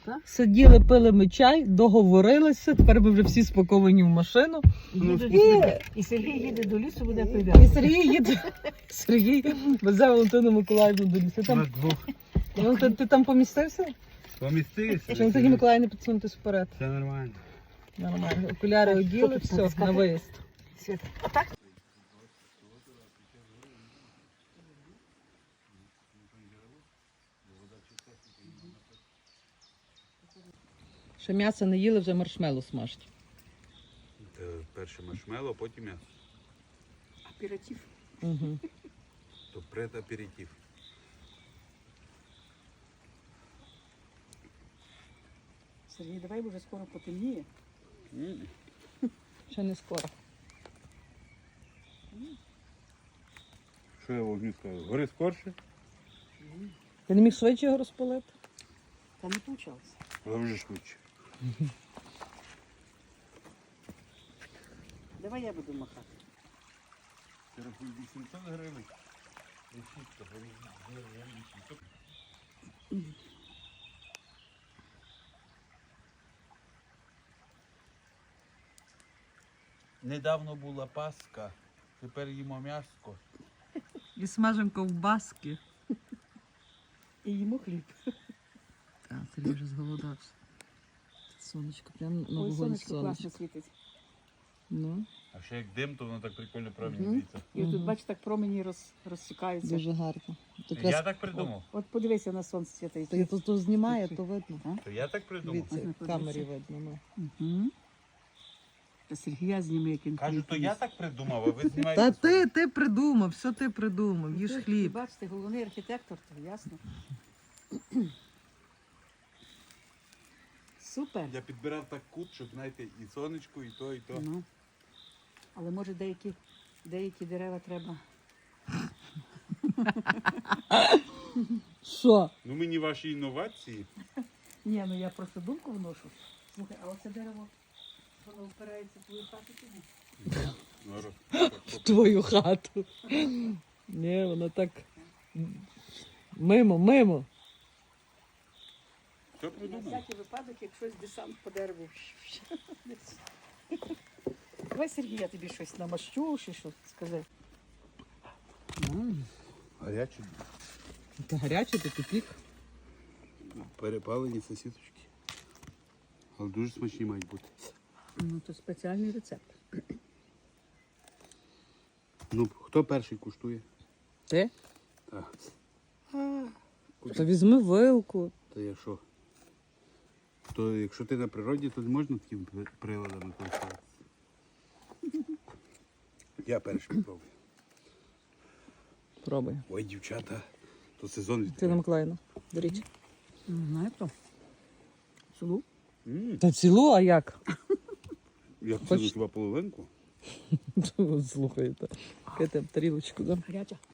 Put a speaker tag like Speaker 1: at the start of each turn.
Speaker 1: Так?
Speaker 2: Сиділи, пили ми чай, договорилися, тепер ми вже всі спаковані в машину.
Speaker 1: І Сергій їде до лісу, буде
Speaker 2: І
Speaker 1: прив'язаний.
Speaker 2: Сергій їде. Сергій везе Валентину Миколаївну до лісу.
Speaker 3: На двох.
Speaker 2: Ти там помістився?
Speaker 3: Помістився.
Speaker 2: Чи Валентині Миколаївні підсунутися вперед?
Speaker 3: Все нормально.
Speaker 2: Нормально. Окуляри оділи, все, на виїзд.
Speaker 1: Світ. А так?
Speaker 2: Ще м'ясо не їли, вже маршмеллоу смажать.
Speaker 3: Перше маршмеллоу, а потім м'ясо.
Speaker 1: Аператив.
Speaker 2: Угу.
Speaker 3: То предаперитив.
Speaker 1: Сергій, давай, бо вже скоро потемніє.
Speaker 2: Ще не скоро.
Speaker 3: Що я вогню скажу? Гори скорше,
Speaker 2: Ти не міг швидше його розпалити?
Speaker 1: Та не вийшло.
Speaker 3: але вже швидше.
Speaker 1: Давай я буду махати.
Speaker 3: Ти рахуй 800 гривень. Недавно була Пасха, тепер їмо м'яско.
Speaker 2: І смажемо ковбаски.
Speaker 1: І їмо хліб.
Speaker 2: Так, Сергій вже зголодався. Сонечко, прямо на
Speaker 1: Ой,
Speaker 2: вогонь
Speaker 1: сонечко класно
Speaker 2: сонечко.
Speaker 1: світить.
Speaker 2: Ну,
Speaker 3: А ще як дим, то воно так прикольно
Speaker 1: Мгм.
Speaker 3: промінюється.
Speaker 1: І тут, бачиш, так промені розсікаються.
Speaker 2: дуже гарно. То
Speaker 3: Я так придумав.
Speaker 1: От подивися на сонце світить.
Speaker 2: то знімає, то видно.
Speaker 3: То я так придумав.
Speaker 2: Дивіться, в
Speaker 1: Ага,
Speaker 2: камері
Speaker 1: подивіться.
Speaker 2: видно. Ну.
Speaker 1: Угу. Та Сергія зніми, як він
Speaker 3: Кажу,
Speaker 1: хліб
Speaker 3: то я
Speaker 1: їсть.
Speaker 3: так придумав, а ви знімаєте.
Speaker 2: Та ти придумав, все ти придумав, їж
Speaker 1: Ти
Speaker 2: хліб.
Speaker 1: бачите, головний архітектор, то ясно. Супер.
Speaker 3: Я підбирав так кут, щоб, знаєте, і сонечко, і то, і то.
Speaker 1: Ну. Але може деякі дерева треба.
Speaker 2: Що?
Speaker 3: Ну мені ваші інновації.
Speaker 1: Ні, ну я просто думку вношу. Слухай, а оце дерево, воно впирається в твою хату чи ні?
Speaker 3: Ну,
Speaker 2: В твою хату. Ні, воно так. Мимо.
Speaker 3: Що
Speaker 1: На
Speaker 3: придумав?
Speaker 1: всякий випадок, як щось десант по дереву. Давай, Сергій, я тобі щось намащу, чи що скажи.
Speaker 3: Гарячі,
Speaker 2: Це гаряче, то тупік.
Speaker 3: перепалені сосісочки. Але дуже смачні мають бути.
Speaker 1: Ну, то спеціальний рецепт.
Speaker 3: Ну, хто перший куштує?
Speaker 2: Ти?
Speaker 3: Так.
Speaker 2: То візьми вилку.
Speaker 3: Та я що? То якщо ти на природі, то не можна таким приладами користуватися. Я перший пробую.
Speaker 2: Пробуй.
Speaker 3: Ой, дівчата, то сезон
Speaker 2: Тина
Speaker 3: відкриває.
Speaker 2: Миколаївна, беріть.
Speaker 1: Не знаю хто. Цілу?
Speaker 2: Та цілу, а як?
Speaker 3: Я
Speaker 2: Хоч-
Speaker 3: хочу хіба половинку.
Speaker 2: Слухайте. Кайте тарілочку, да?
Speaker 1: Гаряча.